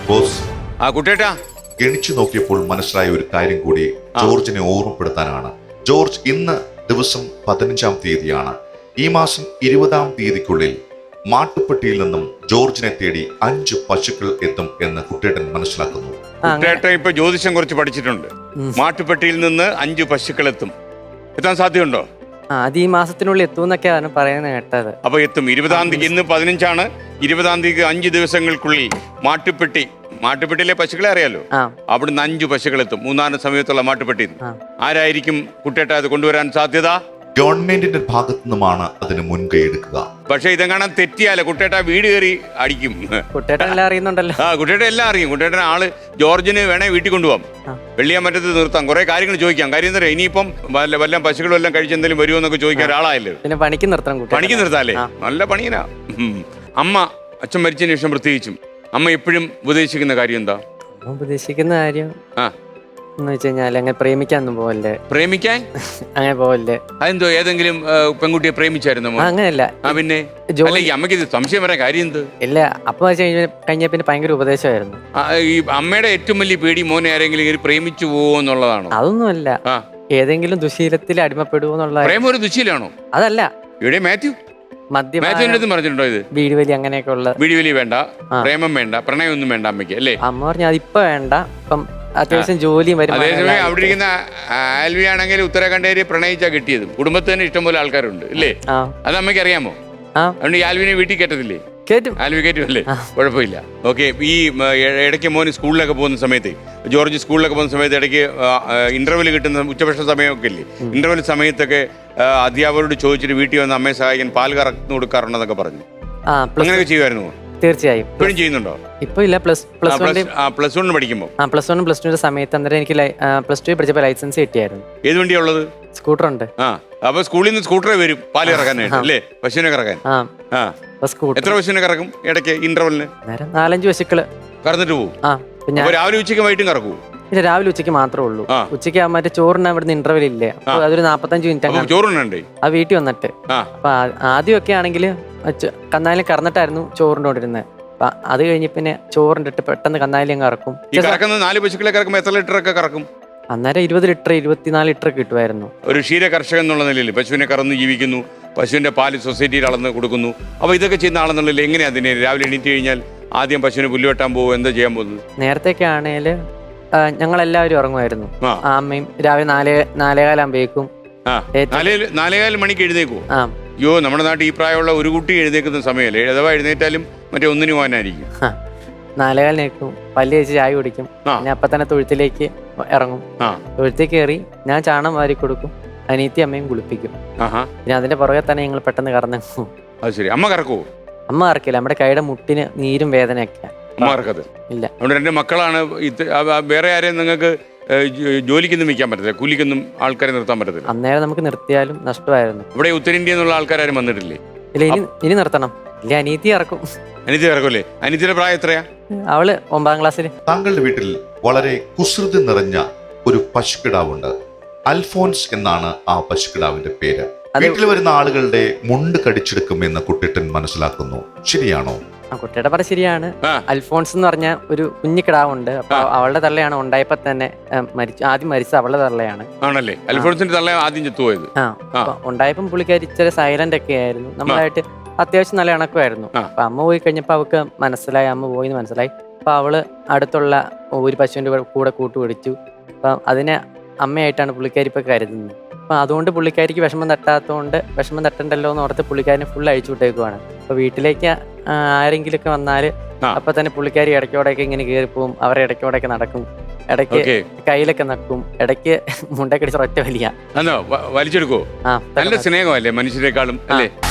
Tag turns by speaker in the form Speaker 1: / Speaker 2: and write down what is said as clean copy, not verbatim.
Speaker 1: Boss,
Speaker 2: കുട്ടേട്ടാ,
Speaker 1: ഗണിച്ചു നോക്കിയപ്പോൾ മനസ്സിലായ ഒരു കാര്യം കൂടി ജോർജിനെ ഓർമ്മപ്പെടുത്താനാണ്. ജോർജ്, ഇന്ന് ദിവസം 15-ാം തീയതിയാണ്. ഈ മാസം 20-ാം തീയതിക്കുള്ളിൽ മാട്ടുപ്പെട്ടിയിൽ നിന്നും ജോർജിനെ തേടി 5 പശുക്കൾ എത്തും എന്ന് കുട്ടേട്ടൻ മനസ്സിലാക്കുന്നു.
Speaker 2: കുട്ടേട്ടൻ ഇപ്പൊ ജ്യോതിഷം കുറച്ച് പഠിച്ചിട്ടുണ്ട്. മാട്ടുപ്പെട്ടിയിൽ നിന്ന് 5 പശുക്കൾ എത്തും. എത്താൻ സാധ്യതയുണ്ടോ?
Speaker 3: അത് ഈ മാസത്തിനുള്ളിൽ എത്തുമെന്നൊക്കെയാണ് പറയുന്നത് കേട്ടത്.
Speaker 2: അപ്പൊ എത്തും. 20-ാം തീയതി, ഇന്ന് 15-ആണ്. 20-ാം തീയതി 5 ദിവസങ്ങൾക്കുള്ളിൽ മാട്ടുപ്പെട്ടിയിലെ പശുക്കളെ അറിയാലോ, അവിടുന്ന് 5 പശുക്കൾ എത്തും. 3-ാം സമയത്തുള്ള മാട്ടുപ്പെട്ടി. ആരായിരിക്കും കുട്ടേട്ട അത് കൊണ്ടുവരാൻ സാധ്യത?
Speaker 1: ഗവൺമെന്റിന്റെ ഭാഗത്തു നിന്നുമാണ് അതിന് മുൻകൈ എടുക്കുക.
Speaker 2: പക്ഷെ ഇതെങ്ങനെ തെറ്റിയാലോ കുട്ടേട്ട വീട് കയറി അടിക്കും.
Speaker 3: കുട്ടേട്ടൻ എല്ലാം അറിയുന്നുണ്ടല്ലോ.
Speaker 2: കുട്ടേട്ട എല്ലാം അറിയും. കുട്ടേട്ടൻ ആള് ജോർജിന് വേണേ വീട്ടിൽ കൊണ്ടുപോകാം, വെള്ളിയാമറ്റത്ത് നിർത്താം, കുറെ കാര്യങ്ങൾ ചോദിക്കാം. കാര്യം എന്താ, ഇനിയിപ്പം വല്ല പശുക്കളും എല്ലാം കഴിച്ചെന്തെങ്കിലും വരുമോ എന്നൊക്കെ ചോദിക്കാൻ ഒരാളായല്ലോ.
Speaker 3: പിന്നെ പണിക്ക്
Speaker 2: നിർത്താല്ലേ? നല്ല പണിയനാ. അമ്മ അച്ഛൻ മരിച്ചതിന് ശേഷം പ്രത്യേകിച്ചും അമ്മ എപ്പോഴും ഉപദേശിക്കുന്ന കാര്യം എന്താ?
Speaker 3: ഉപദേശിക്കുന്ന കാര്യം എന്ന് വെച്ച് കഴിഞ്ഞാൽ അങ്ങനെ പ്രേമിക്കാനൊന്നും പോവല്ലേ.
Speaker 2: പ്രേമിക്കാൻ
Speaker 3: അങ്ങനെ പോവല്ലേ?
Speaker 2: അതെന്തോ, ഏതെങ്കിലും പെൺകുട്ടിയെ പ്രേമിച്ചായിരുന്നോ?
Speaker 3: അങ്ങനെയല്ല.
Speaker 2: പിന്നെ അമ്മയ്ക്ക് ഇത് സംശയം വരാൻ കാര്യം എന്ത്?
Speaker 3: ഇല്ല, അപ്പൊ കഴിഞ്ഞ പിന്നെ ഭയങ്കര ഉപദേശമായിരുന്നു.
Speaker 2: ഈ അമ്മയുടെ ഏറ്റവും വലിയ പേടി മോനെ ആരെങ്കിലും പ്രേമിച്ചു പോവോ എന്നുള്ളതാണോ?
Speaker 3: അതൊന്നുമല്ല, ഏതെങ്കിലും ദുശീലത്തിൽ അടിമപ്പെടുവോ എന്നുള്ള.
Speaker 2: പ്രേമം ഒരു ദുശീലാണോ?
Speaker 3: അതല്ല.
Speaker 2: ഇവിടെ മാത്യു പറഞ്ഞിട്ടുണ്ടോ ഇത്?
Speaker 3: വീട് വലി അങ്ങനെയൊക്കെ ഉള്ള.
Speaker 2: വീട് വലി വേണ്ട, പ്രേമം വേണ്ട, പ്രണയം ഒന്നും വേണ്ട അമ്മയ്ക്ക് അല്ലേ?
Speaker 3: അമ്മ പറഞ്ഞു അതിപ്പോ വേണ്ട, ഇപ്പം അത്യാവശ്യം ജോലിയും വരും.
Speaker 2: അതേസമയം അവിടെ ഇരിക്കുന്ന ആൽവി ആണെങ്കിൽ ഉത്തരാഖണ്ഡേരി പ്രണയിച്ചാ കിട്ടിയതും. കുടുംബത്തിൽ തന്നെ ഇഷ്ടംപോലെ ആൾക്കാരുണ്ട് ഇല്ലേ? അത് അമ്മയ്ക്ക് അറിയാമോ? അതുകൊണ്ട് ഈ ആൽവിനെ വീട്ടിൽ കയറ്റത്തില്ലേ? ആൽവി കയറ്റുമല്ലേ? കുഴപ്പമില്ല. ഓക്കെ. ഈ ഇടയ്ക്ക് മോന് സ്കൂളിലൊക്കെ പോകുന്ന സമയത്ത്, ജോർജ് സ്കൂളിലൊക്കെ പോകുന്ന സമയത്ത് ഇടയ്ക്ക് ഇന്റർവെൽ കിട്ടുന്ന ഉച്ചഭക്ഷണ സമയമൊക്കെ ഇല്ലേ, ഇന്റർവെൽ സമയത്തൊക്കെ അധ്യാപകരോട് ചോദിച്ചിട്ട് വീട്ടിൽ വന്ന് അമ്മയെ സഹായിക്കാൻ പാൽ കറന്നു കൊടുക്കാറുണ്ടെന്നൊക്കെ പറഞ്ഞു. അങ്ങനെയൊക്കെ ചെയ്യുമായിരുന്നു?
Speaker 3: തീർച്ചയായും.
Speaker 2: ഇപ്പോഴും ചെയ്യുന്നുണ്ടോ?
Speaker 3: ഇപ്പൊ ഇല്ല. പ്ലസ്
Speaker 2: 1 പഠിക്കുമ്പോൾ.
Speaker 3: പ്ലസ് 1 പ്ലസ് 2 സമയത്ത് അന്നേരം എനിക്ക് പ്ലസ് 2 പഠിച്ചപ്പോൾ ലൈസൻസ് കിട്ടിയായിരുന്നു.
Speaker 2: ഏത് വണ്ടിയാ ഉള്ളത്?
Speaker 3: സ്കൂട്ടർ ഉണ്ട്.
Speaker 2: അപ്പൊ സ്കൂളിൽ നിന്ന് സ്കൂട്ടറെ വരും പാല് കറക്കാനായിട്ട് അല്ലേ? പശുവിനെ കറക്കാൻ. എത്ര പശുവിനെ കറക്കും ഇടയ്ക്ക് ഇന്റർവെലിന്?
Speaker 3: 4-5 പശുക്കള് കറന്നിട്ട്
Speaker 2: പോകും. രാവിലെ ഉച്ചയ്ക്ക് വൈകിട്ടും കറക്കൂ?
Speaker 3: ഇല്ല, രാവിലെ ഉച്ചയ്ക്ക് മാത്രമേ ഉള്ളൂ. ഉച്ചയ്ക്ക് മറ്റേ ചോറിന് ഇവിടുന്ന് ഇന്റർവെൽ ഇല്ലേ, അപ്പൊ അതൊരു 45 മിനിറ്റ്
Speaker 2: ചോറുണ്ടേ
Speaker 3: ആ വീട്ടിൽ വന്നിട്ട്. അപ്പൊ ആദ്യമൊക്കെ ആണെങ്കിൽ കന്നാലിൽ കറന്നിട്ടായിരുന്നു ചോറിനോണ്ടിരുന്നത്. അപ്പൊ അത് കഴിഞ്ഞ് പിന്നെ ചോറിൻ്റെ പെട്ടെന്ന് കന്നാലി അങ്ങ് കറക്കും.
Speaker 2: 4 പശുക്കളെ കറക്കുമ്പോൾ എത്ര ലിറ്റർ ഒക്കെ കറക്കും?
Speaker 3: അന്നേരം 20 ലിറ്റർ 24 ലിറ്റർ കിട്ടുമായിരുന്നു.
Speaker 2: ഒരു ക്ഷീര കർഷകൻ എന്നുള്ള നിലയിൽ പശുവിനെ കറന്ന് ജീവിക്കുന്നു, പശുവിന്റെ പാല് സൊസൈറ്റിയിൽ അളന്ന് കൊടുക്കുന്നു. അപ്പൊ ഇതൊക്കെ ചെയ്യുന്ന ആളെന്നുള്ളിൽ എങ്ങനെയാ അതിനെ രാവിലെ എണീറ്റ് കഴിഞ്ഞാൽ ആദ്യം പശുവിനെ പുല്ല് വെട്ടാൻ പോകും, എന്താ ചെയ്യാൻ പോകുന്നത്?
Speaker 3: നേരത്തെയൊക്കെ ആണെങ്കിൽ ഞങ്ങളെല്ലാവരും ഇറങ്ങുമായിരുന്നു. അമ്മയും രാവിലെ 4:15
Speaker 2: 4:15 മണിക്ക് എഴുന്നേക്കുവോ? അയ്യോ, നമ്മുടെ നാട്ടിൽ ഈ പ്രായമുള്ള ഒരു കുട്ടി എഴുന്നേക്കുന്ന സമയമല്ലേ? അഥവാ എഴുന്നേറ്റാലും മറ്റേ 1-ന് പോകാനായിരിക്കും.
Speaker 3: 4:15 പല്ല് കഴിച്ച് ചായ കുടിക്കും. പിന്നെ അപ്പൊ തന്നെ തൊഴുത്തിലേക്ക് ഇറങ്ങും. തൊഴുത്തിൽ കയറി ഞാൻ ചാണം വാരി കൊടുക്കും, അനിയത്തി അമ്മയും കുളിപ്പിക്കും. പിന്നെ അതിന്റെ പുറകെ തന്നെ ഞങ്ങൾ പെട്ടെന്ന് കറന്നു.
Speaker 2: അത് ശരി. അമ്മ കറക്കുവോ?
Speaker 3: അമ്മ കറക്കില്ല, നമ്മുടെ കൈയുടെ മുട്ടിന് നീരും വേദനയൊക്കെ.
Speaker 2: അമ്മ കറക്കത്
Speaker 3: ഇല്ല.
Speaker 2: അതുകൊണ്ട് 2 മക്കളാണ്. വേറെ ആരെയും നിങ്ങൾക്ക് ജോലിക്കൊന്നും വയ്ക്കാൻ പറ്റത്തില്ല, കൂലിക്കൊന്നും ആൾക്കാരെ നിർത്താൻ പറ്റത്തില്ല?
Speaker 3: അന്നേരം നമുക്ക് നിർത്തിയാലും നഷ്ടമായിരുന്നു.
Speaker 2: ഇവിടെ ഉത്തരേന്ത്യയിൽ നിന്നുള്ള ആൾക്കാരും വന്നിട്ടില്ലേ?
Speaker 3: ഇല്ല, ഇനി നിർത്തണം. ഇല്ല, അനിയത്തി ഇറക്കും.
Speaker 2: അനിയത്തി ഇറക്കുമല്ലേ? അനിയത്തിയുടെ പ്രായം എത്രയാ?
Speaker 3: അവള് 9-ാം ക്ലാസ്സിൽ.
Speaker 1: താങ്കളുടെ വീട്ടിൽ വളരെ കുസൃതി നിറഞ്ഞ ഒരു പശുക്കിടാവുണ്ട്. അൽഫോൻസ് എന്നാണ് ആ പശുക്കിടാവിന്റെ പേര്. വീട്ടിൽ വരുന്ന ആളുകളുടെ മുണ്ട് കടിച്ചെടുക്കുമെന്ന് കുട്ടേട്ടൻ മനസ്സിലാക്കുന്നു. ശരിയാണോ?
Speaker 3: കുട്ടിയുടെ പറ ശരിയാണ്. അൽഫോൺസ് എന്ന് പറഞ്ഞ ഒരു കുഞ്ഞു കിടാവുണ്ട്. അപ്പൊ അവളുടെ തള്ളയാണ് ഉണ്ടായപ്പോ തന്നെ ആദ്യം മരിച്ച അവളുടെ തള്ളയാണ്.
Speaker 2: ആണല്ലേ? അൽഫോൺസിന്റെ തള്ള ആദ്യം ചത്തുപോയത്.
Speaker 3: ഉണ്ടായപ്പം പുള്ളിക്കാരി ഇച്ചിരി സൈലന്റ് ഒക്കെ ആയിരുന്നു. നമ്മളായിട്ട് അത്യാവശ്യം നല്ല ഇണക്കമായിരുന്നു. അപ്പൊ അമ്മ പോയി കഴിഞ്ഞപ്പോ അവൾക്ക് മനസ്സിലായി, അമ്മ പോയിന്ന് മനസ്സിലായി. അപ്പൊ അവള് അടുത്തുള്ള ഒരു പശുവിന്റെ കൂടെ കൂട്ടുപിടിച്ചു. അപ്പൊ അതിനെ അമ്മയായിട്ടാണ് പുള്ളിക്കാരി ഇപ്പൊ കരുതുന്നത്. അപ്പൊ അതുകൊണ്ട് പുള്ളിക്കാരിക്ക് വിഷമം തട്ടണ്ടല്ലോ എന്ന് ഓർത്ത് പുള്ളിക്കാരിനെ ഫുൾ അഴിച്ചു വിട്ടേക്കുവാണ്. അപ്പൊ വീട്ടിലേക്ക് ആരെങ്കിലും ഒക്കെ വന്നാല് അപ്പൊ തന്നെ പുള്ളിക്കാരി ഇടയ്ക്കോടൊക്കെ ഇങ്ങനെ കയറിപ്പോവും. അവരെ ഇടയ്ക്കോടൊക്കെ നടക്കും, ഇടയ്ക്ക് കയ്യിലൊക്കെ നക്കും, ഇടയ്ക്ക് മുണ്ടക്കടിച്ച് ഒറ്റ വലിയ
Speaker 2: വലിച്ചെടുക്കോ? നല്ല സ്നേഹമല്ലേ മനുഷ്യരെക്കാളും അല്ലേ?